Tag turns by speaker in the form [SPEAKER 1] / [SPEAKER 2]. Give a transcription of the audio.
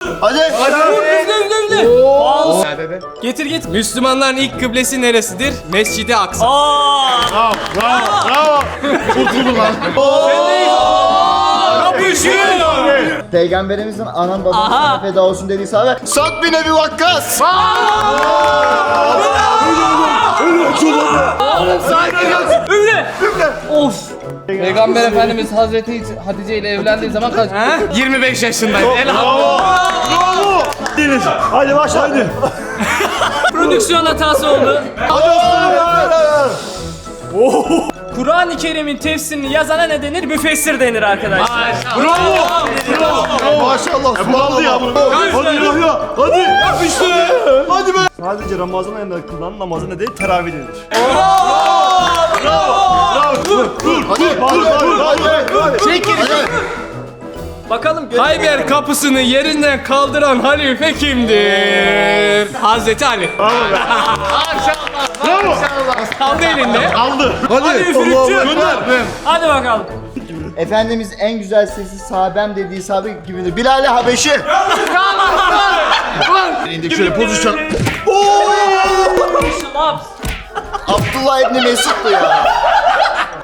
[SPEAKER 1] Hadi.
[SPEAKER 2] Üfle.
[SPEAKER 3] Dede.
[SPEAKER 2] Getir git. Müslümanların ilk kıblesi neresidir? Mescid-i Aksa.
[SPEAKER 1] Bravo. Kurtuldun lan. Peygamberimizin anam babam sana feda olsun dediği sahabe Sa'd bin Ebi Vakkas.
[SPEAKER 2] Üfle. Of.
[SPEAKER 3] Peygamber Efendimiz Hazreti Hatice ile evlendiği zaman kaç?
[SPEAKER 2] 25 yaşındayım. Elhamdülillah.
[SPEAKER 1] Bravo. Deniz. Hadi başla hadi.
[SPEAKER 2] Prodüksiyon hatası oldu. Kur'an-ı Kerim'in tefsirini yazana ne denir? Müfessir denir arkadaşlar.
[SPEAKER 1] Maşallah. Subhanallah ya bunu.
[SPEAKER 4] Hadi ya. Hadi. Yapıştı. Hadi be. Sadece Ramazan ayında kılınan namazı ne değil? Teravih denir.
[SPEAKER 2] Bakalım. Hayber kapısını yerinden kaldıran halife kimdir? Hazreti Ali.
[SPEAKER 1] Bravo.
[SPEAKER 2] Kaldı elinde.
[SPEAKER 1] Aldı.
[SPEAKER 2] Hadi üfürükçü. Hadi bakalım.
[SPEAKER 1] Efendimiz en güzel sesi sahabem dediği sahabe gibidir. Bilal-i Habeşi. İndik şöyle pozisyon. Abdullah İbni Mesud'du ya.